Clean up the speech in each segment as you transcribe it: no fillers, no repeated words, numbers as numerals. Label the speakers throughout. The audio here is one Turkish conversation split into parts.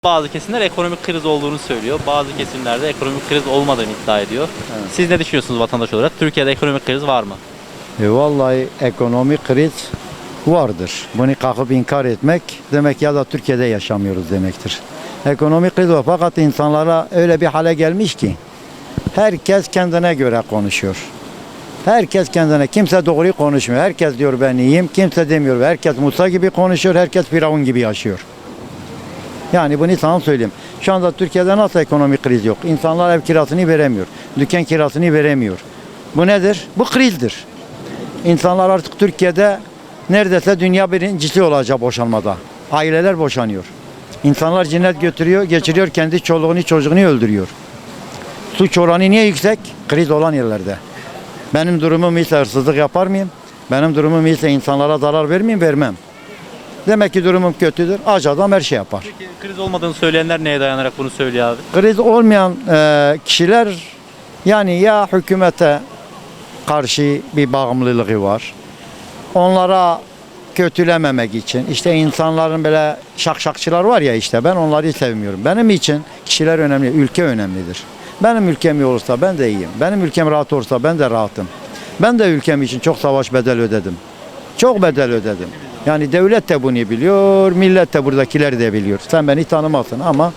Speaker 1: Bazı kesimler ekonomik kriz olduğunu söylüyor. Bazı kesimlerde ekonomik kriz olmadığını iddia ediyor.
Speaker 2: Evet.
Speaker 1: Siz ne düşünüyorsunuz vatandaş olarak? Türkiye'de ekonomik kriz var mı?
Speaker 2: Vallahi ekonomik kriz vardır. Bunu kalkıp inkar etmek demek ya da Türkiye'de yaşamıyoruz demektir. Ekonomik kriz var fakat insanlara öyle bir hale gelmiş ki herkes kendine göre konuşuyor. Herkes kendine, kimse doğruyu konuşmuyor. Herkes diyor ben iyiyim, kimse demiyor. Herkes Musa gibi konuşuyor, herkes Firavun gibi yaşıyor. Yani bunu sana söyleyeyim. Şu anda Türkiye'de nasıl ekonomik kriz yok? İnsanlar ev kirasını veremiyor. Dükkan kirasını veremiyor. Bu nedir? Bu krizdir. İnsanlar artık Türkiye'de neredeyse dünya birincisi olacak boşanmada. Aileler boşanıyor. İnsanlar cinnet geçiriyor, kendi çoluğunu çocuğunu öldürüyor. Suç oranı niye yüksek? Kriz olan yerlerde. Benim durumum ise hırsızlık yapar mıyım? Benim durumum ise insanlara zarar vermeyeyim, vermem. Demek ki durumum kötüdür. Aç adam her şey yapar.
Speaker 1: Peki kriz olmadığını söyleyenler neye dayanarak bunu söylüyor abi?
Speaker 2: Kriz olmayan kişiler yani ya hükümete karşı bir bağımlılığı var. Onlara kötülememek için işte insanların böyle şakşakçılar var ya işte ben onları sevmiyorum. Benim için kişiler önemli, ülke önemlidir. Benim ülkem iyi olursa ben de iyiyim. Benim ülkem rahat olursa ben de rahatım. Ben de ülkem için çok savaş bedel ödedim. Çok bedel ödedim. Yani devlet de bunu biliyor, millet de buradakiler de biliyor. Sen beni tanımazsın ama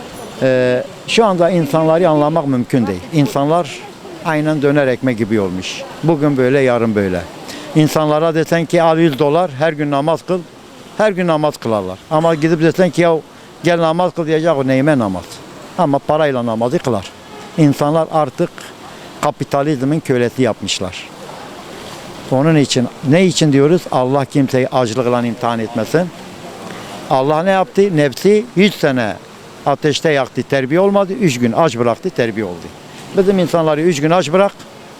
Speaker 2: şu anda insanları anlamak mümkün değil. İnsanlar aynen döner ekmek gibi olmuş. Bugün böyle, yarın böyle. İnsanlara desen ki al $100 her gün namaz kıl, her gün namaz kılarlar. Ama gidip desen ki ya gel namaz kıl diyecek o neyime namaz. Ama parayla namazı kılar. İnsanlar artık kapitalizmin kölesi yapmışlar. Onun için ne için diyoruz? Allah kimseyi açlıkla imtihan etmesin. Allah ne yaptı? Nefsi 100 sene ateşte yaktı, terbiye olmadı. 3 gün aç bıraktı, terbiye oldu. Bizim insanları 3 gün aç bırak.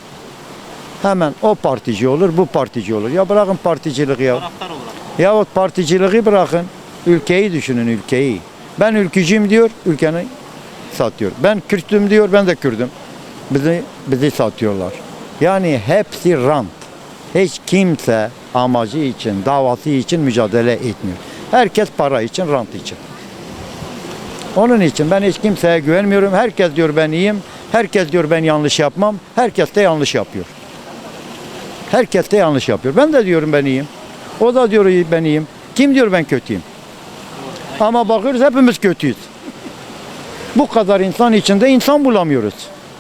Speaker 2: Hemen o partici olur, bu partici olur. Ya bırakın particiliği ya.
Speaker 1: Taraftar olarak.
Speaker 2: Yahut particiliği bırakın. Ülkeyi düşünün, ülkeyi. Ben ülkücüyüm diyor, ülkeni satıyor. Ben Kürt'üm diyor, ben de Kürt'üm. Bizi satıyorlar. Yani hepsi rant. Hiç kimse amacı için, davası için mücadele etmiyor. Herkes para için, rant için. Onun için ben hiç kimseye güvenmiyorum. Herkes diyor ben iyiyim. Herkes diyor ben yanlış yapmam. Herkes de yanlış yapıyor. Herkes de yanlış yapıyor. Ben de diyorum ben iyiyim. O da diyor ben iyiyim. Kim diyor ben kötüyüm? Ama bakıyoruz hepimiz kötüyüz. Bu kadar insan içinde insan bulamıyoruz.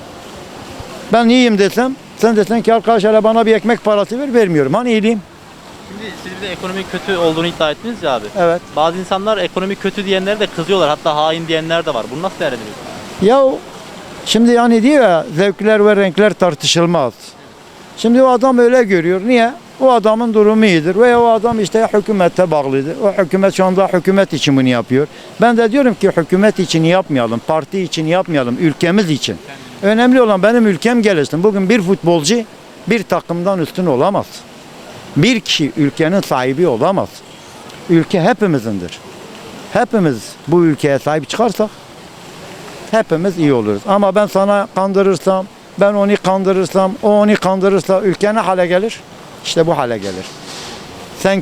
Speaker 2: Ben iyiyim desem, sen desen ki arkadaş hele bana bir ekmek parası ver, vermiyorum. Hani iyiyim?
Speaker 1: Şimdi siz bir de ekonomik kötü olduğunu iddia ettiniz ya abi.
Speaker 2: Evet.
Speaker 1: Bazı insanlar ekonomik kötü diyenlere de kızıyorlar. Hatta hain diyenler de var. Bunu nasıl değerlendiriyorsunuz?
Speaker 2: Ya şimdi yani diyor ya zevkler ve renkler tartışılmaz. Şimdi o adam öyle görüyor. Niye? O adamın durumu iyidir. Veya o adam işte hükümete bağlıdır. O hükümet şu anda hükümet için bunu yapıyor. Ben de diyorum ki hükümet için yapmayalım. Parti için yapmayalım. Ülkemiz için. Önemli olan benim ülkem gelişsin. Bugün bir futbolcu bir takımdan üstün olamaz. Bir kişi ülkenin sahibi olamaz. Ülke hepimizindir. Hepimiz bu ülkeye sahip çıkarsak hepimiz iyi oluruz. Ama ben sana kandırırsam, ben onu kandırırsam, o onu kandırırsa ülke ne hale gelir? İşte bu hale gelir. Sen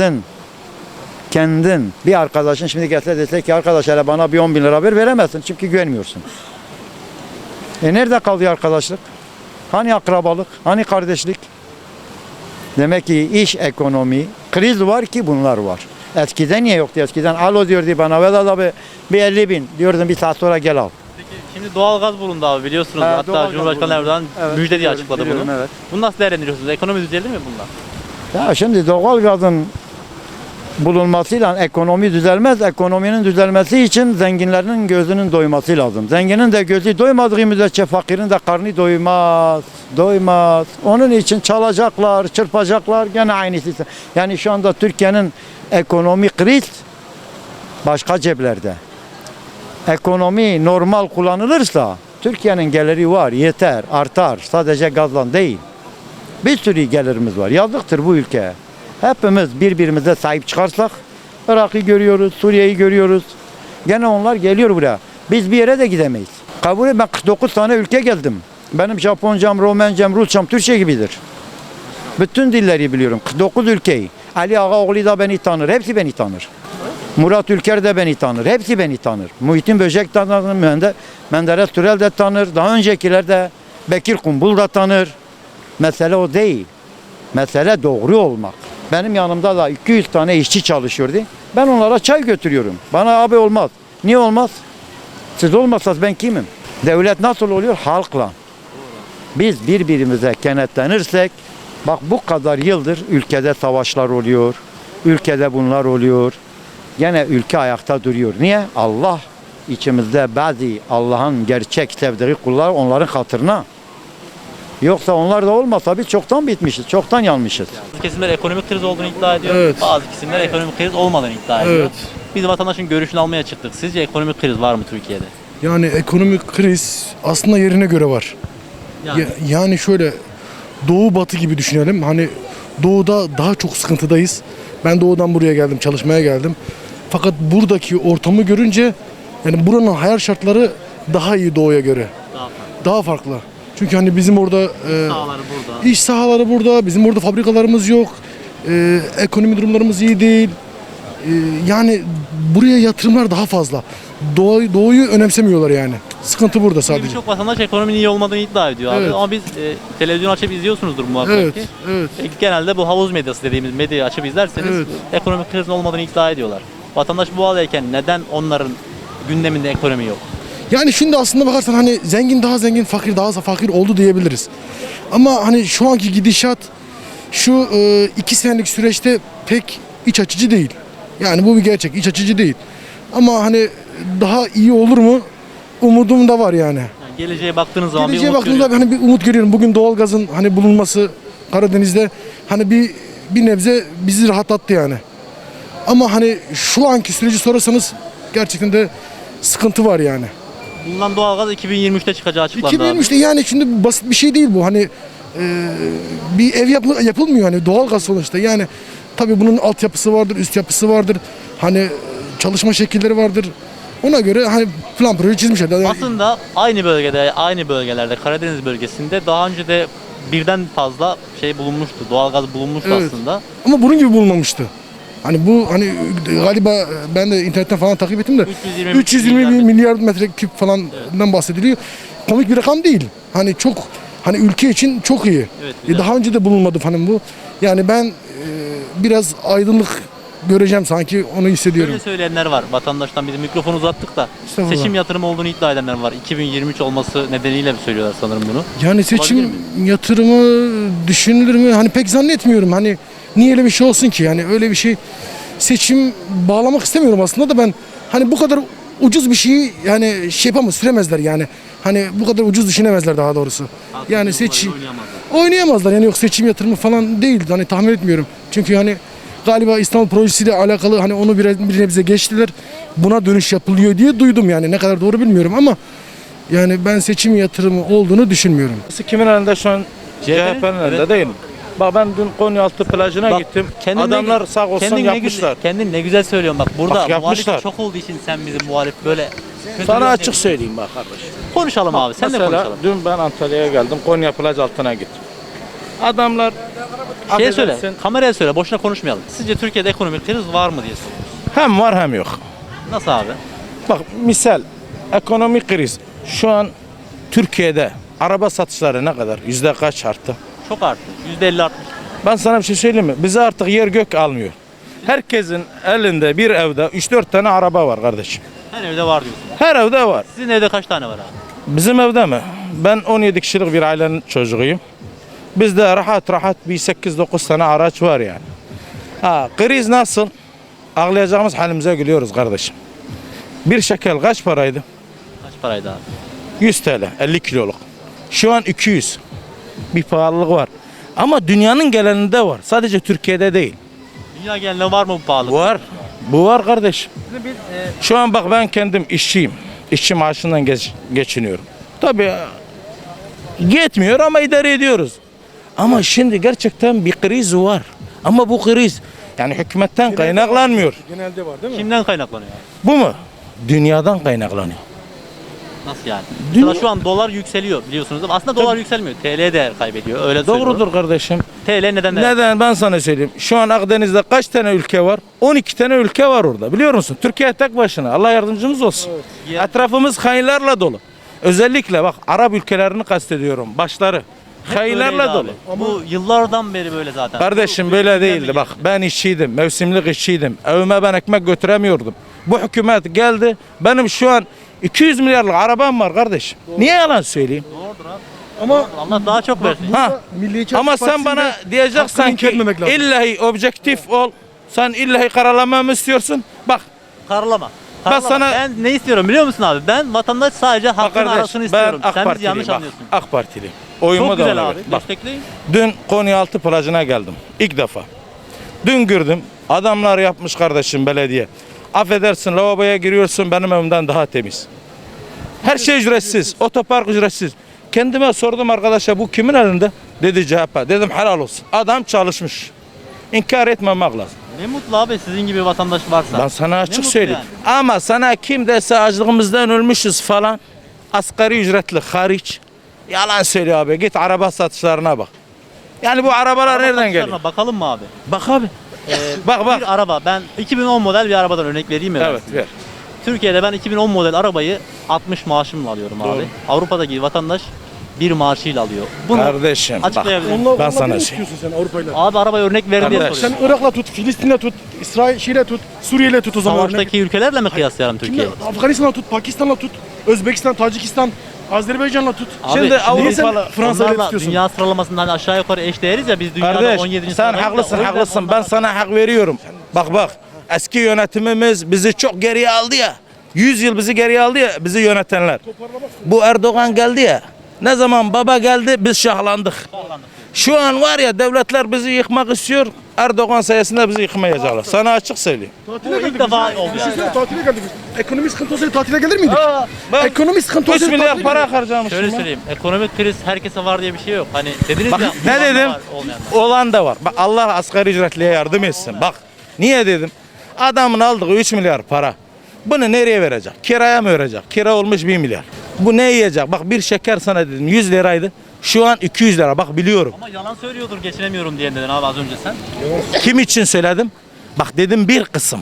Speaker 2: kendin bir arkadaşın şimdi gelse dese ki arkadaş hele bana bir 10 bin lira veremezsin çünkü güvenmiyorsun. Nerede kalıyor arkadaşlık? Hani akrabalık? Hani kardeşlik? Demek ki iş ekonomi, kriz var ki bunlar var. Eskiden niye yoktu? Eskiden alo diyordu bana Vedat abi bir 50 bin diyordum bir saat sonra gel al.
Speaker 1: Peki şimdi doğalgaz bulundu abi biliyorsunuz.
Speaker 2: Evet,
Speaker 1: Hatta
Speaker 2: doğalgaz
Speaker 1: Cumhurbaşkanı
Speaker 2: bulundu.
Speaker 1: Erdoğan
Speaker 2: Evet,
Speaker 1: müjde diye
Speaker 2: biliyorum,
Speaker 1: açıkladı
Speaker 2: biliyorum,
Speaker 1: bunu.
Speaker 2: evet.
Speaker 1: Bunu nasıl değerlendiriyorsunuz? Ekonomi düzelir mi bununla?
Speaker 2: Ya şimdi doğalgazın bulunmasıyla ekonomi düzelmez. Ekonominin düzelmesi için zenginlerin gözünün doyması lazım. Zenginin de gözü doymadığı müddetçe fakirin de karnı doymaz. Doymaz. Onun için çalacaklar, çırpacaklar gene aynısı. Yani şu anda Türkiye'nin ekonomi kriz başka ceplerde. Ekonomi normal kullanılırsa Türkiye'nin geliri var, yeter, artar. Sadece gazla değil. Bir sürü gelirimiz var. Yazıktır bu ülkeye. Hepimiz birbirimize sahip çıkarsak Irak'ı görüyoruz, Suriye'yi görüyoruz. Gene onlar geliyor buraya. Biz bir yere de gidemeyiz. Kabul et ben 49 tane ülke gezdim. Benim Japoncam, Romencam, Rusçam, Türkçe gibidir. Bütün dilleri biliyorum. 49 ülkeyi. Ali Ağaoğlu da beni tanır. Hepsi beni tanır. Murat Ülker de beni tanır. Hepsi beni tanır. Muhittin Böcek tanır. Menderes Türel de tanır. Daha öncekiler de Bekir Kumbul da tanır. Mesele o değil. Mesele doğru olmak. Benim yanımda da 200 tane işçi çalışıyordu. Ben onlara çay götürüyorum. Bana abi olmaz. Niye olmaz? Siz olmasanız ben kimim? Devlet nasıl oluyor? Halkla. Biz birbirimize kenetlenirsek, bak bu kadar yıldır ülkede savaşlar oluyor. Ülkede bunlar oluyor. Gene ülke ayakta duruyor. Niye? Allah içimizde bazı Allah'ın gerçek sevdiği kullar onların hatırına. Yoksa onlar da olmasa biz çoktan bitmişiz, çoktan yanmışız.
Speaker 1: Bazı kesimler ekonomik kriz olduğunu iddia ediyor.
Speaker 3: Evet.
Speaker 1: Bazı kesimler ekonomik kriz olmadığını iddia ediyor.
Speaker 3: Evet.
Speaker 1: Biz vatandaşın görüşünü almaya çıktık. Sizce ekonomik kriz var mı Türkiye'de?
Speaker 3: Yani ekonomik kriz aslında yerine göre var. Yani şöyle doğu batı gibi düşünelim. Hani doğuda daha çok sıkıntıdayız. Ben doğudan buraya geldim, çalışmaya geldim. Fakat buradaki ortamı görünce yani buranın hayat şartları daha iyi doğuya göre. Daha farklı. Çünkü hani bizim orada
Speaker 1: Sahaları burada.
Speaker 3: iş sahaları burada, bizim orada fabrikalarımız yok. Ekonomi durumlarımız iyi değil. Yani buraya yatırımlar daha fazla. Doğuyu önemsemiyorlar yani. Sıkıntı burada sadece.
Speaker 1: Birçok vatandaş ekonominin iyi olmadığını iddia ediyor abi.
Speaker 3: Evet.
Speaker 1: Ama biz televizyon açıp izliyorsunuzdur muhakkak
Speaker 3: Evet,
Speaker 1: ki.
Speaker 3: evet.
Speaker 1: Genelde bu havuz medyası dediğimiz medyayı açıp izlerseniz
Speaker 3: Evet.
Speaker 1: ekonomik krizin olmadığını iddia ediyorlar. Vatandaş bu haldeyken neden onların gündeminde ekonomi yok?
Speaker 3: Yani şimdi aslında bakarsan hani zengin daha zengin, fakir daha fakir oldu diyebiliriz. Ama hani şu anki gidişat şu 2 senelik süreçte pek iç açıcı değil. Yani bu bir gerçek, iç açıcı değil. Ama hani daha iyi olur mu? Umudum da var yani.
Speaker 1: Yani geleceğe baktığınız zaman
Speaker 3: Geleceğe
Speaker 1: bir umut
Speaker 3: baktığımda
Speaker 1: görüyorsunuz.
Speaker 3: hani bir umut görüyorum. Bugün doğalgazın hani bulunması Karadeniz'de hani bir nebze bizi rahatlattı yani. Ama hani şu anki süreci sorarsanız gerçekten de sıkıntı var yani.
Speaker 1: Bulunan doğalgaz 2023'te çıkacağı açıklandı abi.
Speaker 3: 2023'te yani şimdi basit bir şey değil bu. Hani bir ev yapılmıyor hani doğalgaz sonuçta. Yani tabii bunun altyapısı vardır, üst yapısı vardır. Hani çalışma şekilleri vardır. Ona göre hani plan proje çizmişler. Yani
Speaker 1: Aslında aynı bölgelerde Karadeniz bölgesinde daha önce de birden fazla şey bulunmuştu. Doğalgaz bulunmuştu
Speaker 3: Evet.
Speaker 1: aslında.
Speaker 3: ama bunun gibi bulunmamıştı. Hani bu hani galiba ben de internetten falan takip ettim de 320 milyar metreküp falandan bahsediliyor. Komik bir rakam değil. Hani çok hani ülke için çok iyi.
Speaker 1: Evet, güzel.
Speaker 3: Daha önce de bulunmadı falan bu. Yani ben biraz aydınlık göreceğim sanki onu hissediyorum.
Speaker 1: Öyle söyleyenler var. Vatandaştan bize mikrofon uzattık da
Speaker 3: Estağfurullah.
Speaker 1: seçim yatırımı olduğunu iddia edenler var. 2023 olması nedeniyle mi söylüyorlar sanırım bunu?
Speaker 3: Yani seçim
Speaker 1: Olabilir
Speaker 3: yatırımı düşünülür mü? Hani pek zannetmiyorum. Hani niye öyle bir şey olsun ki? Yani öyle bir şey seçim bağlamak istemiyorum aslında da ben hani bu kadar ucuz bir şeyi yani şey yapamaz, süremezler yani. Hani bu kadar ucuz düşünemezler daha doğrusu. Yani seçim oynayamazlar yani yok seçim yatırımı falan değil. Hani tahmin etmiyorum. Çünkü hani galiba İstanbul projesiyle alakalı hani onu bir nebze geçtiler. Buna dönüş yapılıyor diye duydum yani. Ne kadar doğru bilmiyorum ama yani ben seçim yatırımı olduğunu düşünmüyorum.
Speaker 4: Kimin elinde şu an?
Speaker 1: CHP'nin?
Speaker 4: CHP'nin elinde
Speaker 1: Evet.
Speaker 4: değil mi? Bak ben dün Konyaaltı plajına
Speaker 1: Bak,
Speaker 4: gittim.
Speaker 1: kendin
Speaker 4: Adamlar
Speaker 1: ne-
Speaker 4: sağ olsun
Speaker 1: kendin ne
Speaker 4: yapmışlar.
Speaker 1: güzel- kendin ne güzel söylüyorsun bak. Burada
Speaker 4: Bak, yapmışlar.
Speaker 1: muhalif çok olduğu için sen bizim muhalif böyle
Speaker 4: Sana açık söyleyeyim bak kardeş.
Speaker 1: konuşalım abi. Sen de
Speaker 4: Mesela
Speaker 1: konuşalım.
Speaker 4: dün ben Antalya'ya geldim. Konya plaj altına gittim. Adamlar
Speaker 1: Şey söyle.
Speaker 4: affedersin,
Speaker 1: Kameraya söyle. Boşuna konuşmayalım. Sizce Türkiye'de ekonomik kriz var mı diye soruyoruz.
Speaker 4: hem var hem yok.
Speaker 1: Nasıl abi?
Speaker 4: Bak misal ekonomik kriz. Şu an Türkiye'de araba satışları ne kadar? Yüzde kaç arttı?
Speaker 1: Çok arttı. %50 arttı.
Speaker 4: Ben sana bir şey söyleyeyim mi? Bize artık yer gök almıyor. Herkesin elinde bir evde 3-4 tane araba var kardeşim.
Speaker 1: Her evde var diyorsun.
Speaker 4: Her evde var.
Speaker 1: Sizin evde kaç tane var abi?
Speaker 4: Bizim evde mi? Ben 17 kişilik bir ailenin çocuğuyum. Bizde rahat rahat bir 8-9 tane araç var yani. Ha, kriz nasıl? Ağlayacağımız halimize gülüyoruz kardeşim. Bir şekel kaç paraydı?
Speaker 1: Kaç paraydı abi?
Speaker 4: 100 TL, 50 kiloluk. Şu an 200. Bir pahalılık var. Ama dünyanın genelinde var. Sadece Türkiye'de değil.
Speaker 1: Dünya genelinde var mı bu pahalılık?
Speaker 4: Var. Bu var kardeşim. Şu an bak ben kendim işçiyim. İşçi maaşından geçiniyorum. Tabii yetmiyor ama idare ediyoruz. Ama şimdi gerçekten bir kriz var. Ama bu kriz yani hükümetten kaynaklanmıyor.
Speaker 3: Genelde var değil mi?
Speaker 1: Kimden kaynaklanıyor abi?
Speaker 4: Bu mu? Dünyadan kaynaklanıyor.
Speaker 1: Nasıl yani?
Speaker 4: Dünya-
Speaker 1: Mesela şu an dolar yükseliyor biliyorsunuz ama aslında dolar yükselmiyor. TL değer kaybediyor. Öyle söylüyorlar.
Speaker 4: Doğrudur kardeşim.
Speaker 1: TL neden değer?
Speaker 4: Neden ben sana söyleyeyim. Şu an Akdeniz'de kaç tane ülke var? 12 tane ülke var orada. Biliyor musun? Türkiye tek başına. Allah yardımcımız olsun.
Speaker 1: Ya-
Speaker 4: Etrafımız hainlerle dolu. Özellikle bak Arap ülkelerini kastediyorum. Başları.
Speaker 1: Hep
Speaker 4: Hainlerle
Speaker 1: böyleydi
Speaker 4: dolu.
Speaker 1: abi. Bu yıllardan beri böyle zaten.
Speaker 4: Kardeşim
Speaker 1: Bu
Speaker 4: böyle
Speaker 1: ülkeden
Speaker 4: değildi.
Speaker 1: mi
Speaker 4: Bak
Speaker 1: geliyor?
Speaker 4: ben işçiydim. Mevsimlik işçiydim. Evime ben ekmek götüremiyordum. Bu hükümet geldi. Benim şu an 200 milyarlık arabam var kardeşim. Niye yalan söyleyeyim?
Speaker 1: Doğrudur abi.
Speaker 3: Ama
Speaker 1: Allah daha çok versin.
Speaker 4: Ha.
Speaker 3: Milliyetçi
Speaker 4: Ama
Speaker 3: Hareket
Speaker 4: sen bana
Speaker 3: Partisi'nde
Speaker 4: diyeceksin
Speaker 3: hakkını
Speaker 4: ki
Speaker 3: inkar etmemek lazım.
Speaker 4: illahi objektif ol. Sen illahi karalamamı istiyorsun. Bak
Speaker 1: Karalama.
Speaker 4: Ben
Speaker 1: Karalama.
Speaker 4: sana-
Speaker 1: Ben ne istiyorum biliyor musun abi? Ben vatandaş sadece
Speaker 4: bak
Speaker 1: hakkın
Speaker 4: kardeş
Speaker 1: arasını
Speaker 4: ben
Speaker 1: istiyorum.
Speaker 4: AK
Speaker 1: Sen bizi
Speaker 4: Partiliyim.
Speaker 1: yanlış
Speaker 4: Bak,
Speaker 1: anlıyorsun.
Speaker 4: AK Partiliyim. Oyumu
Speaker 1: Çok
Speaker 4: da
Speaker 1: güzel
Speaker 4: ona
Speaker 1: abi.
Speaker 4: ver. Bak
Speaker 1: Destekleyin.
Speaker 4: dün Konyaaltı plajına geldim. İlk defa. Dün gördüm. Adamlar yapmış kardeşim belediye. Affedersin lavaboya giriyorsun benim evimden daha temiz. Her şey ücretsiz. Otopark ücretsiz. Kendime sordum arkadaşa bu kimin elinde? Dedi CHP. Dedim helal olsun. Adam çalışmış. İnkar etmemek lazım.
Speaker 1: Ne mutlu abi sizin gibi vatandaş varsa.
Speaker 4: Ben sana
Speaker 1: Ne
Speaker 4: açık
Speaker 1: mutlu
Speaker 4: söyleyeyim. Ama sana kim dese açlığımızdan ölmüşüz falan. Asgari ücretli hariç. Yalan söylüyor abi. Git araba satışlarına bak. Yani bu arabalar
Speaker 1: Araba
Speaker 4: nereden
Speaker 1: satışlarına
Speaker 4: geliyor?
Speaker 1: Bakalım mı abi?
Speaker 4: Bak abi. Bak.
Speaker 1: Bir araba ben 2010 model bir arabadan örnek vereyim mi? ben
Speaker 4: Evet
Speaker 1: size?
Speaker 4: ver.
Speaker 1: Türkiye'de ben 2010 model arabayı 60 maaşımla alıyorum
Speaker 4: Doğru.
Speaker 1: abi. Avrupa'daki vatandaş bir maaşıyla alıyor. Bunu
Speaker 4: Kardeşim bak.
Speaker 1: açıklayabilir miyim?
Speaker 3: Onunla,
Speaker 4: Ben
Speaker 3: onunla
Speaker 4: sana
Speaker 3: bir
Speaker 4: şey-
Speaker 3: istiyorsun sen Avrupa'yla.
Speaker 1: Abi arabaya örnek ver diye
Speaker 4: Kardeş.
Speaker 1: soruyorum.
Speaker 3: Sen Irak'la tut, Filistin'le tut, İsrail'le tut, Suriye'yle tut o zaman. örnek.
Speaker 1: Savaştaki ülkelerle mi kıyaslayalım
Speaker 3: Kimle?
Speaker 1: Türkiye'yi?
Speaker 3: Afganistan'la tut, Pakistan'la tut, Özbekistan, Tacikistan, Azerbaycan'la tut.
Speaker 1: Abi,
Speaker 4: Şimdi
Speaker 3: Niye sen
Speaker 4: Avrupalı
Speaker 3: Fransa'yla
Speaker 1: Onlarla
Speaker 3: tutuyorsun?
Speaker 1: dünya sıralamasında hani aşağı yukarı eş değeriz ya biz dünyada
Speaker 4: Kardeş
Speaker 1: 17.
Speaker 4: sen
Speaker 1: sıradayız da
Speaker 4: haklısın
Speaker 1: o yüzden
Speaker 4: haklısın. Ben
Speaker 1: onlarla-
Speaker 4: sana hak veriyorum. Bak. Eski yönetimimiz bizi çok geriye aldı ya. 100 yıl bizi geriye aldı ya bizi yönetenler. Bu Erdoğan geldi ya. Ne zaman baba geldi biz şahlandık. Şu an var ya devletler bizi yıkmak istiyor. Erdoğan sayesinde bizi yıkmayacaklar. Sana açık söyleyeyim.
Speaker 3: Tatile
Speaker 1: Bu ilk
Speaker 3: geldik
Speaker 1: defa
Speaker 3: biz.
Speaker 1: oldu yani.
Speaker 3: Düşünsene tatile geldik biz. Ekonomi sıkıntı olsaydı tatile gelir miydik?
Speaker 4: Ben
Speaker 3: Ekonomi sıkıntı
Speaker 4: 3
Speaker 3: olsaydı
Speaker 4: milyar
Speaker 3: tatile
Speaker 4: para
Speaker 3: gelirdik.
Speaker 4: harcamışım.
Speaker 1: Şöyle
Speaker 4: lan.
Speaker 1: söyleyeyim. Ekonomik kriz herkese var diye bir şey yok. Hani dediniz
Speaker 4: Bak
Speaker 1: ya.
Speaker 4: ne
Speaker 1: olan da
Speaker 4: dedim?
Speaker 1: var, olmayan da.
Speaker 4: Olan da var. Bak Allah asgari ücretliye yardım etsin. Bak niye dedim? Adamın aldığı 3 milyar para. Bunu nereye verecek? Kiraya mı verecek? Kira olmuş 1 milyar. Bu ne yiyecek? Bak bir şeker sana dedim 100 liraydı. Şu an 200 lira. Bak biliyorum.
Speaker 1: Ama yalan söylüyordur geçinemiyorum diye dedin abi az önce sen.
Speaker 4: Kim için söyledim? Bak dedim bir kısım.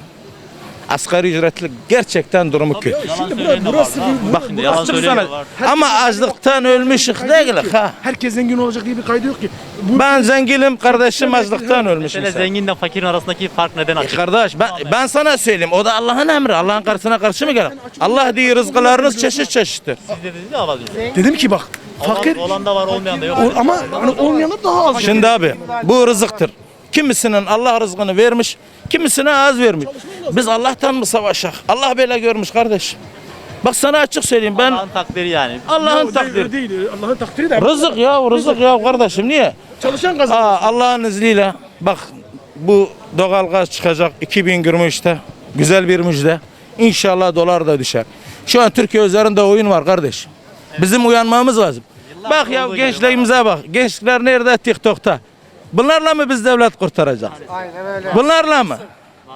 Speaker 4: Asgari ücretli gerçekten durumu kötü.
Speaker 1: Yalan
Speaker 3: Şimdi
Speaker 1: söyleyen de
Speaker 3: burası
Speaker 1: var.
Speaker 3: bir-
Speaker 4: Bak
Speaker 1: Şimdi yalan
Speaker 4: açık
Speaker 1: söyleyen
Speaker 4: sana.
Speaker 1: de var.
Speaker 4: Ama açlıktan ölmüşük değil ha.
Speaker 3: Herkes zengin olacak diye bir kaydı yok ki. Bu
Speaker 4: Ben zenginim kardeşim açlıktan ölmüşüm.
Speaker 1: Mesela zenginle fakirin arasındaki fark neden açık?
Speaker 4: Kardeş ben sana söyleyeyim o da Allah'ın emri. Allah'ın karşısına karşı mı gelir? Allah diyor rızkılarınız çeşit çeşittir.
Speaker 1: Siz dediniz ya az önce.
Speaker 3: dedim ki bak fakir
Speaker 1: Olan da var olmayan da yok.
Speaker 3: ama hani olmayanlar daha az.
Speaker 4: Şimdi abi bu rızıktır. Kimisinin Allah rızkını vermiş, kimisine az vermiş. Biz Allah'tan mı savaşak? Allah böyle görmüş kardeş. Bak sana açık söyleyeyim ben
Speaker 1: Allah'ın takdiri yani.
Speaker 4: Allah'ın
Speaker 3: Yok,
Speaker 4: takdiri.
Speaker 3: değil, Allah'ın takdiri de.
Speaker 4: Rızık ya kardeşim niye?
Speaker 3: Çalışan kazanır.
Speaker 4: Allah'ın izniyle bak bu doğalgaz çıkacak 2023'te. Güzel bir müjde. İnşallah dolar da düşer. Şu an Türkiye üzerinde oyun var kardeş. Bizim uyanmamız lazım. Bak ya
Speaker 1: olduğu gibi
Speaker 4: gençliğimize bak. Gençler nerede? TikTok'ta. Bunlarla mı biz devlet kurtaracağız? Aynen öyle. Bunlarla mı?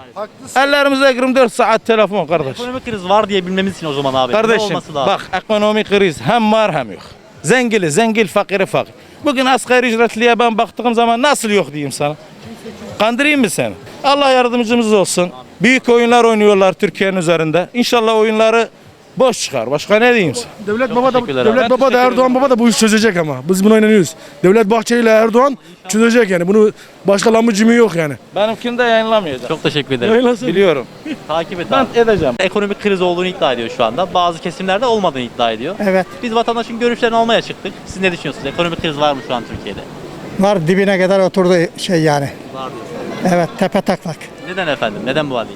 Speaker 4: Ellerimize 24 saat telefon kardeş.
Speaker 1: Ekonomik kriz var diye bilmemiz için o zaman abi. Ne
Speaker 4: Kardeşim
Speaker 1: olması lazım?
Speaker 4: bak ekonomik kriz hem var hem yok. Zengili zengil, fakiri fakir. Bugün asgari ücretliye ben baktığım zaman nasıl yok diyeyim sana. Kandırayım mı seni? Allah yardımcımız olsun. Büyük oyunlar oynuyorlar Türkiye'nin üzerinde. İnşallah oyunları boş çıkar. Başka ne diyeyim sana?
Speaker 3: Devlet baba da
Speaker 1: teşekkürler abi.
Speaker 3: Devlet baba da
Speaker 1: Teşekkür
Speaker 3: Erdoğan
Speaker 1: ederim.
Speaker 3: baba da bu işi çözecek ama. Biz buna inanıyoruz. Devlet Bahçeli ile Erdoğan çözecek yani. Bunu başka lamıcımı yok yani.
Speaker 4: Benimkini de yayınlamayacağım.
Speaker 1: Çok teşekkür ederim.
Speaker 3: Yayınlasın.
Speaker 4: Biliyorum.
Speaker 1: Takip et
Speaker 4: Ben
Speaker 1: abi.
Speaker 4: edeceğim.
Speaker 1: Ekonomik kriz olduğunu iddia ediyor şu anda. Bazı kesimlerde olmadığını iddia ediyor.
Speaker 5: Evet.
Speaker 1: Biz vatandaşın görüşlerini almaya çıktık. Siz ne düşünüyorsunuz? Ekonomik kriz var mı şu an Türkiye'de?
Speaker 5: Var dibine kadar oturdu şey yani.
Speaker 1: Var diyorsun.
Speaker 5: Evet tepe taklak.
Speaker 1: Neden efendim? Neden bu halde?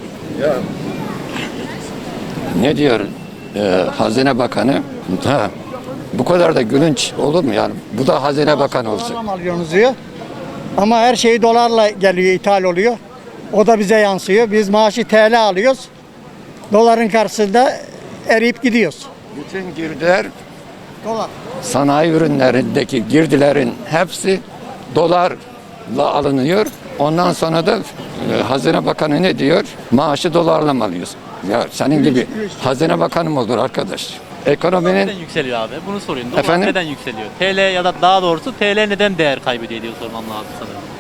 Speaker 6: Ne diyor Hazine Bakanı? Ha, bu kadar da gülünç olur mu yani? Bu da Hazine Bakanı olsun.
Speaker 5: Dolarla mı alıyorsunuz diyor. Ama her şey dolarla geliyor, ithal oluyor. O da bize yansıyor. Biz maaşı TL alıyoruz. Doların karşısında eriyip gidiyoruz.
Speaker 6: Bütün girdiler,
Speaker 5: Dolar.
Speaker 6: sanayi ürünlerindeki girdilerin hepsi dolarla alınıyor. Ondan sonra da Hazine Bakanı ne diyor? Maaşı dolarla mı alıyorsun? Ya senin gibi Hazine Bakanı mı olur arkadaş? Ekonominin
Speaker 1: Neden yükseliyor abi? Bunu sorayım. Dolar
Speaker 6: Efendim?
Speaker 1: neden yükseliyor? TL ya da daha doğrusu TL neden değer kaybediyor diye sormam lazım sanırım.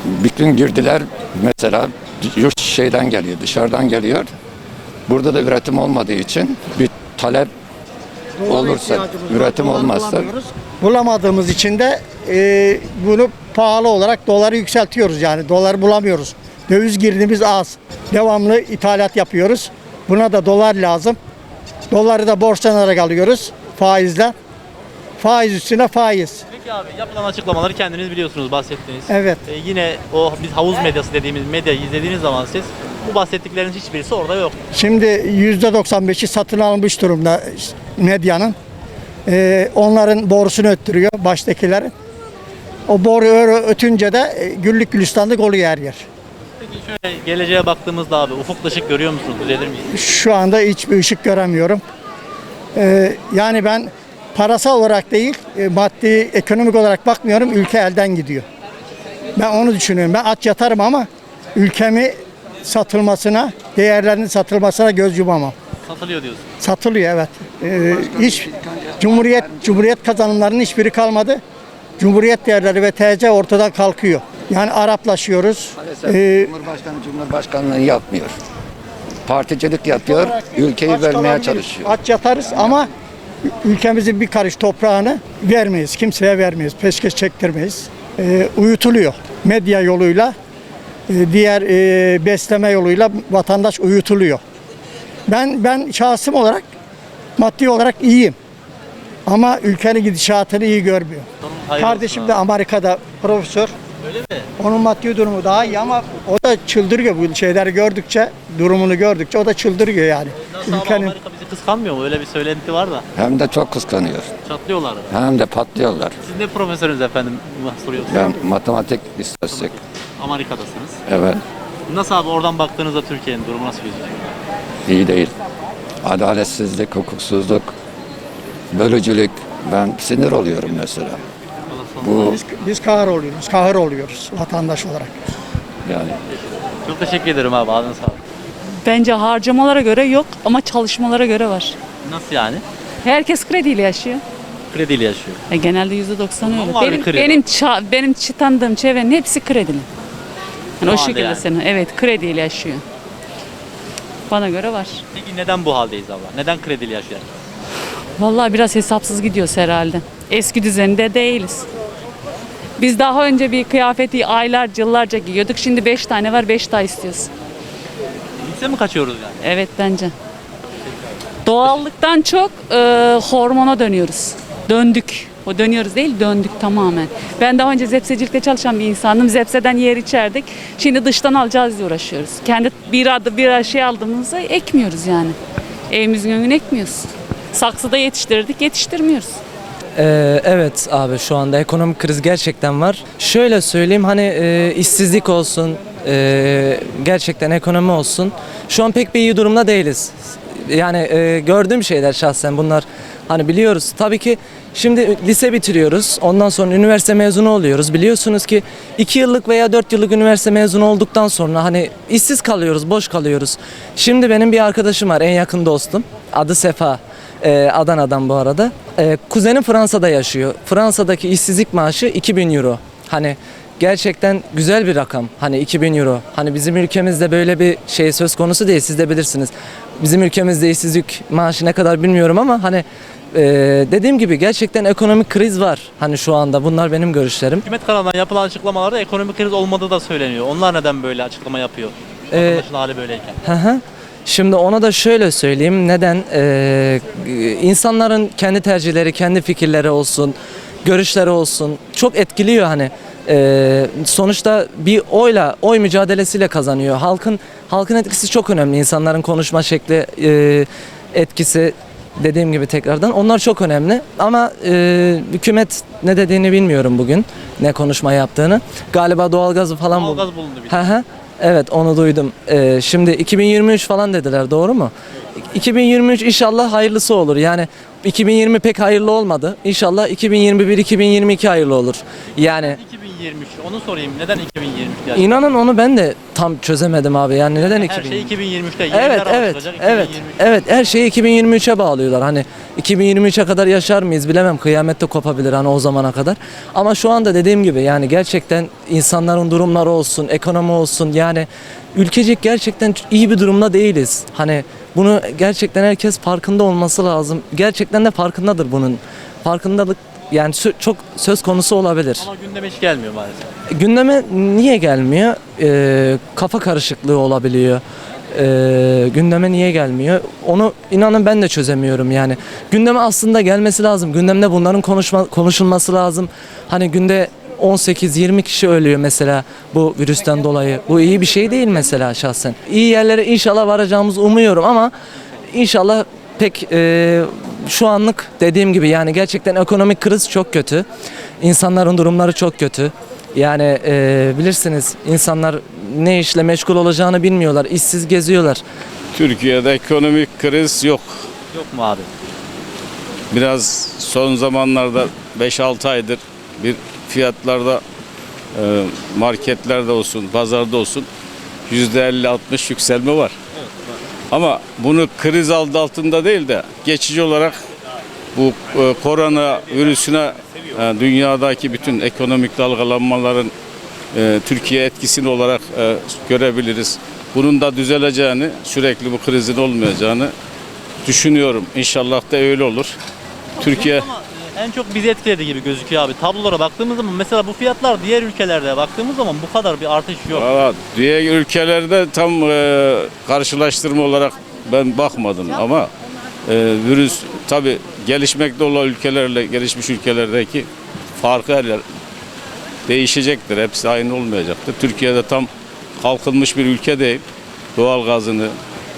Speaker 6: bütün girdiler mesela yurt şeyden geliyor, dışarıdan geliyor. Burada da üretim olmadığı için bir talep olursa, üretim olmazsa
Speaker 5: Bulamadığımız için de bunu pahalı olarak doları yükseltiyoruz yani. Doları bulamıyoruz. Döviz girdimiz az. Devamlı ithalat yapıyoruz. Buna da dolar lazım. Doları da borçlanarak alıyoruz faizle. Faiz üstüne faiz.
Speaker 1: Peki abi, yapılan açıklamaları kendiniz biliyorsunuz, bahsettiniz.
Speaker 5: Evet.
Speaker 1: Yine o biz havuz medyası dediğimiz medyayı izlediğiniz zaman siz bu bahsettikleriniz hiçbirisi orada yok.
Speaker 5: Şimdi %95'i satın almış durumda medyanın. Onların borusunu öttürüyor baştakilerin. O boru ötünce de güllük gülistanlık oluyor her yer.
Speaker 1: Peki şöyle geleceğe baktığımızda abi, ufukta ışık görüyor musunuz? Düzelir miyiz?
Speaker 5: Şu anda hiçbir ışık göremiyorum. Yani ben parasal olarak değil, maddi, ekonomik olarak bakmıyorum. Ülke elden gidiyor. Ben onu düşünüyorum. Ben aç yatarım ama ülkemi satılmasına, değerlerinin satılmasına göz yumamam.
Speaker 1: Satılıyor diyorsun.
Speaker 5: Satılıyor, evet. Hiç Cumhuriyet kazanımlarının hiçbiri kalmadı. Cumhuriyet değerleri ve TC ortadan kalkıyor. Yani Araplaşıyoruz.
Speaker 6: Cumhurbaşkanlığı yapmıyor. Particilik yapıyor, ülkeyi
Speaker 5: Aç
Speaker 6: vermeye
Speaker 5: kalabiliriz,
Speaker 6: çalışıyor.
Speaker 5: aç yatarız ama ülkemizin bir karış toprağını vermeyiz. Kimseye vermeyiz. Peşkeş çektirmeyiz. Uyutuluyor. Medya yoluyla, diğer besleme yoluyla vatandaş uyutuluyor. Ben şahsım olarak, maddi olarak iyiyim. Ama ülkenin gidişatını iyi görmüyor.
Speaker 1: Hayırlısı
Speaker 5: Kardeşim
Speaker 1: abi.
Speaker 5: de Amerika'da profesör.
Speaker 1: Öyle mi?
Speaker 5: Onun maddi durumu daha iyi ama o da çıldırıyor bu şeyleri gördükçe, durumunu gördükçe o da çıldırıyor yani.
Speaker 1: Nasıl abi, Amerika bizi kıskanmıyor mu? Öyle bir söylenti var da.
Speaker 6: Hem de çok kıskanıyor.
Speaker 1: Çatlıyorlar.
Speaker 6: Hem de patlıyorlar.
Speaker 1: Siz ne profesörünüz efendim? Soruyorsunuz.
Speaker 6: Ben matematik istatistik.
Speaker 1: Amerika'dasınız.
Speaker 6: Evet,
Speaker 1: Nasıl abi, oradan baktığınızda Türkiye'nin durumu nasıl gözüküyor?
Speaker 6: iyi değil. Adaletsizlik, hukuksuzluk, bölücülük. Ben sinir oluyorum mesela. Bu
Speaker 5: Biz kahır oluyoruz vatandaş olarak.
Speaker 6: yani
Speaker 1: Çok teşekkür ederim abi. Ağzına sağlık.
Speaker 7: Bence harcamalara göre yok ama çalışmalara göre var.
Speaker 1: Nasıl yani?
Speaker 7: Herkes krediyle yaşıyor.
Speaker 1: Krediyle yaşıyor.
Speaker 7: Genelde %90
Speaker 1: Ama
Speaker 7: öyle.
Speaker 1: var bir kredi.
Speaker 7: Benim tanıdığım çevrenin hepsi kredili. Yani o
Speaker 1: halde
Speaker 7: şekilde
Speaker 1: yani.
Speaker 7: senin. Evet, krediyle yaşıyor. Bana göre var.
Speaker 1: Peki neden bu haldeyiz abla? Neden krediyle yaşıyor?
Speaker 7: Vallahi biraz hesapsız gidiyoruz herhalde. Eski düzeninde değiliz. Biz daha önce bir kıyafeti aylarca, yıllarca giyiyorduk. Şimdi 5 tane var, 5 daha istiyoruz.
Speaker 1: Lükse mi kaçıyoruz yani?
Speaker 7: Evet bence. Doğallıktan çok hormona dönüyoruz. Döndük. O dönüyoruz değil, döndük tamamen. Ben daha önce zepsecilikte çalışan bir insandım. Zepseden yer içerdik. Şimdi dıştan alacağız diye uğraşıyoruz. Kendi bir şey aldığımızda ekmiyoruz yani. Evimizin önüne ekmiyoruz. Saksıda yetiştirdik, yetiştirmiyoruz.
Speaker 8: Evet abi, şu anda ekonomik kriz gerçekten var. Şöyle söyleyeyim, hani işsizlik olsun, gerçekten ekonomi olsun. Şu an pek bir iyi durumda değiliz. Yani gördüğüm şeyler şahsen bunlar, hani biliyoruz. Tabii ki şimdi lise bitiriyoruz. Ondan sonra üniversite mezunu oluyoruz. Biliyorsunuz ki 2 yıllık veya 4 yıllık üniversite mezunu olduktan sonra hani işsiz kalıyoruz, boş kalıyoruz. Şimdi benim bir arkadaşım var, en yakın dostum. Adı Sefa. Adana'dan bu arada. Kuzenim Fransa'da yaşıyor. Fransa'daki işsizlik maaşı 2000 euro. Hani gerçekten güzel bir rakam. Hani 2000 euro. Hani bizim ülkemizde böyle bir şey söz konusu değil. Siz de bilirsiniz. Bizim ülkemizde işsizlik maaşı ne kadar bilmiyorum ama hani dediğim gibi gerçekten ekonomik kriz var. Hani şu anda bunlar benim görüşlerim.
Speaker 1: Hükümet kanalından yapılan açıklamalarda ekonomik kriz olmadığı da söyleniyor. Onlar neden böyle açıklama yapıyor? Vatandaşın hali böyleyken.
Speaker 8: Hı hı. Şimdi ona da şöyle söyleyeyim. Neden? İnsanların kendi tercihleri, kendi fikirleri olsun, görüşleri olsun çok etkiliyor hani. Sonuçta bir oy mücadelesiyle kazanıyor. Halkın etkisi çok önemli. İnsanların konuşma şekli, etkisi, dediğim gibi tekrardan onlar çok önemli. Ama hükümet ne dediğini bilmiyorum bugün. Ne konuşma yaptığını. Galiba doğalgazı falan
Speaker 1: Doğalgaz bulundu bir de.
Speaker 8: Hı hı. Evet, onu duydum. Şimdi 2023 falan dediler, doğru mu? 2023 inşallah hayırlısı olur. Yani 2020 pek hayırlı olmadı. İnşallah 2021-2022 hayırlı olur. Yani
Speaker 1: 2023. Onu sorayım. Neden 2023 gerçekten?
Speaker 8: inanın onu ben de tam çözemedim abi. Yani neden
Speaker 1: Her
Speaker 8: 2020?
Speaker 1: şey 2023'te.
Speaker 8: Evet,
Speaker 1: Yeniler
Speaker 8: evet,
Speaker 1: anlaşılacak,
Speaker 8: evet,
Speaker 1: 2023'te.
Speaker 8: evet. Her şeyi 2023'e bağlıyorlar. Hani 2023'e kadar yaşar mıyız bilemem. Kıyamette kopabilir hani o zamana kadar. Ama şu anda dediğim gibi yani gerçekten insanların durumları olsun, ekonomi olsun yani ülkecek gerçekten iyi bir durumda değiliz. Hani bunu gerçekten herkes farkında olması lazım. Gerçekten de farkındadır bunun. Farkındalık yani çok söz konusu olabilir.
Speaker 1: Ama gündeme hiç gelmiyor maalesef.
Speaker 8: Gündeme niye gelmiyor? Kafa karışıklığı olabiliyor. Gündeme niye gelmiyor? Onu inanın ben de çözemiyorum yani. Gündeme aslında gelmesi lazım. Gündemde bunların konuşulması lazım. Hani günde 18-20 kişi ölüyor mesela bu virüsten dolayı. Bu iyi bir şey değil mesela şahsen. İyi yerlere inşallah varacağımızı umuyorum ama inşallah pek şu anlık dediğim gibi yani gerçekten ekonomik kriz çok kötü. İnsanların durumları çok kötü. Yani bilirsiniz insanlar ne işle meşgul olacağını bilmiyorlar. İşsiz geziyorlar.
Speaker 9: Türkiye'de ekonomik kriz yok.
Speaker 1: Yok mu abi?
Speaker 9: Biraz son zamanlarda 5-6 aydır bir fiyatlarda marketlerde olsun, pazarda olsun %50-60 yükselme var. Ama bunu kriz adı altında değil de geçici olarak bu korona virüsüne dünyadaki bütün ekonomik dalgalanmaların Türkiye etkisini olarak görebiliriz. Bunun da düzeleceğini, sürekli bu krizin olmayacağını düşünüyorum. İnşallah da öyle olur. Türkiye
Speaker 1: Ama en çok bizi etkiledi gibi gözüküyor abi. Tablolara baktığımız zaman mesela bu fiyatlar diğer ülkelerde baktığımız zaman bu kadar bir artış yok.
Speaker 9: valla diğer ülkelerde tam karşılaştırma olarak ben bakmadım ama virüs tabi gelişmekte olan ülkelerle gelişmiş ülkelerdeki farkı her yer değişecektir. Hepsi aynı olmayacaktır. Türkiye'de tam kalkınmış bir ülke değil. Doğal gazını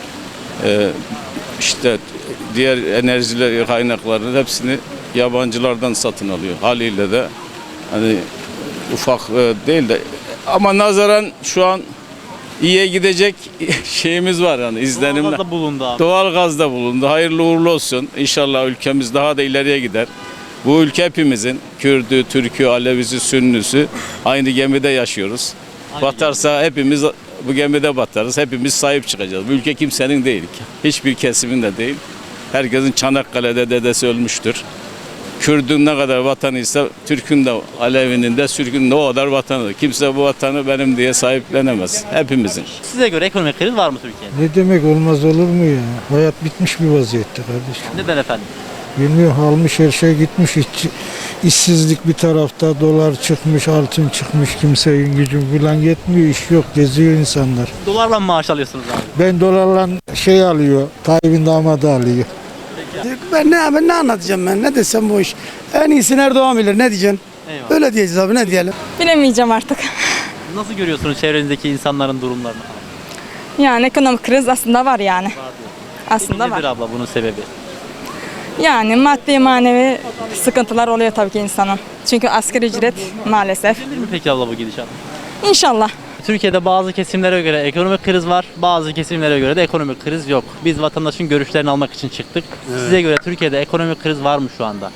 Speaker 9: işte diğer enerjiler kaynaklarının hepsini yabancılardan satın alıyor. Haliyle de hani ufak değil de ama nazaran şu an iyiye gidecek şeyimiz var yani izlenimler.
Speaker 1: Doğalgazda bulundu abi.
Speaker 9: Doğalgazda bulundu. Hayırlı uğurlu olsun. İnşallah ülkemiz daha da ileriye gider. Bu ülke hepimizin Kürdü, Türkü, Alevisi, Sünnüsü aynı gemide yaşıyoruz. Batarsa hepimiz bu gemide batarız. Hepimiz sahip çıkacağız. Bu ülke kimsenin değil. Hiçbir kesimin de değil. Herkesin Çanakkale'de dedesi ölmüştür. Kürdün ne kadar vatanıysa Türk'ün de Alevi'nin de Sürk'ün de o kadar vatanıdır. Kimse bu vatanı benim diye sahiplenemez. Hepimizin.
Speaker 1: Size göre ekonomik kriz var mı Türkiye'de?
Speaker 10: Ne demek olmaz olur mu ya? Hayat bitmiş bir vaziyette kardeşim.
Speaker 1: Neden efendim?
Speaker 10: Bilmiyorum almış her şey gitmiş. İşsizlik bir tarafta, dolar çıkmış, altın çıkmış. Kimsenin gücü falan yetmiyor, iş yok, geziyor insanlar.
Speaker 1: Dolarla mı maaş alıyorsunuz abi?
Speaker 10: Ben dolarla şey alıyor, Tayyip'in damadı alıyor.
Speaker 5: Ben ne anlatacağım ben? Ne desem bu iş. En iyisi Erdoğan bilir. Ne diyeceksin?
Speaker 1: Eyvallah.
Speaker 5: Öyle diyeceğiz abi, ne diyelim?
Speaker 11: Bilemeyeceğim artık.
Speaker 1: Nasıl görüyorsunuz çevrenizdeki insanların durumlarını?
Speaker 11: Yani ekonomik kriz aslında var yani. Aslında
Speaker 1: Nedir
Speaker 11: var.
Speaker 1: abla bunun sebebi?
Speaker 11: Yani maddi manevi sıkıntılar oluyor tabii ki insanın. Çünkü asgari ücret maalesef.
Speaker 1: Gelir mi peki abla bu gidişat?
Speaker 11: İnşallah.
Speaker 1: Türkiye'de bazı kesimlere göre ekonomik kriz var, bazı kesimlere göre de ekonomik kriz yok. Biz vatandaşın görüşlerini almak için çıktık. Size göre Türkiye'de ekonomik kriz var mı şu anda?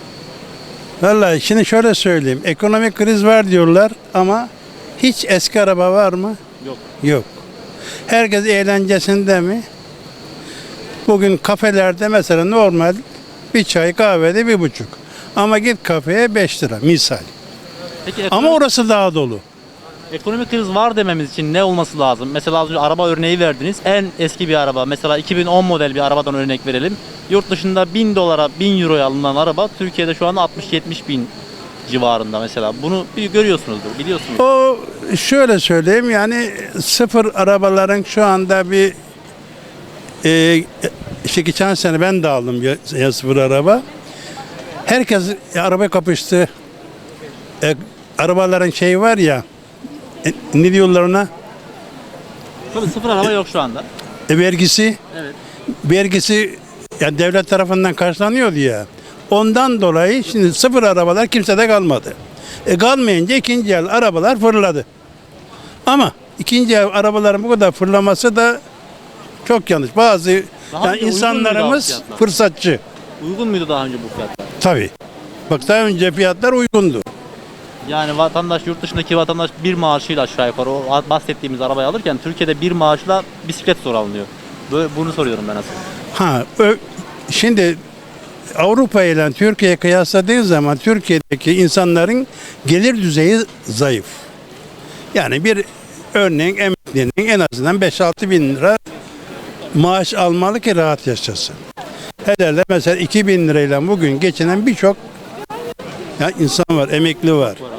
Speaker 12: Vallahi şimdi şöyle söyleyeyim. Ekonomik kriz var diyorlar ama hiç eski araba var mı?
Speaker 1: Yok.
Speaker 12: Yok. Herkes eğlencesinde mi? Bugün kafelerde mesela normal bir çay kahvede 1,5. Ama git kafeye 5 lira misal.
Speaker 1: Peki
Speaker 12: Ama orası daha dolu.
Speaker 1: ekonomik kriz var dememiz için ne olması lazım? Mesela az önce araba örneği verdiniz. En eski bir araba, mesela 2010 model bir arabadan örnek verelim. Yurt dışında 1000 dolara, 1000 euroya alınan araba Türkiye'de şu anda 60-70 bin civarında mesela. Bunu görüyorsunuzdur, biliyorsunuz.
Speaker 12: O şöyle söyleyeyim yani sıfır arabaların şu anda bir işte geçen sene ben de aldım ya sıfır araba. Herkes arabaya kapıştı. Arabaların şeyi var ya ne diyorlar ona?
Speaker 1: Tabii sıfır araba yok şu anda.
Speaker 12: Vergisi.
Speaker 1: Evet.
Speaker 12: Vergisi yani devlet tarafından karşılanıyordu ya. Ondan dolayı şimdi sıfır arabalar kimsede kalmadı. Kalmayınca ikinci el arabalar fırladı. Ama ikinci el arabaların bu kadar fırlaması da çok yanlış. Bazı
Speaker 1: Daha
Speaker 12: yani
Speaker 1: önce uygun muydu
Speaker 12: insanlarımız
Speaker 1: abi fiyatlar?
Speaker 12: fırsatçı.
Speaker 1: Uygun muydu daha önce bu fiyatlar?
Speaker 12: Tabii. Bak daha önce fiyatlar uygundu.
Speaker 1: Yani vatandaş, yurt dışındaki vatandaş bir maaşıyla aşağı yukarı o bahsettiğimiz arabayı alırken Türkiye'de bir maaşla bisiklet zor alınıyor. Bunu soruyorum ben aslında.
Speaker 12: Şimdi Avrupa ile Türkiye'ye kıyasladığın zaman Türkiye'deki insanların gelir düzeyi zayıf. Yani bir örneğin emeklinin en azından 5-6 bin lira maaş almalı ki rahat yaşasın. Hele mesela 2 bin lirayla bugün geçinen birçok insan var, emekli var.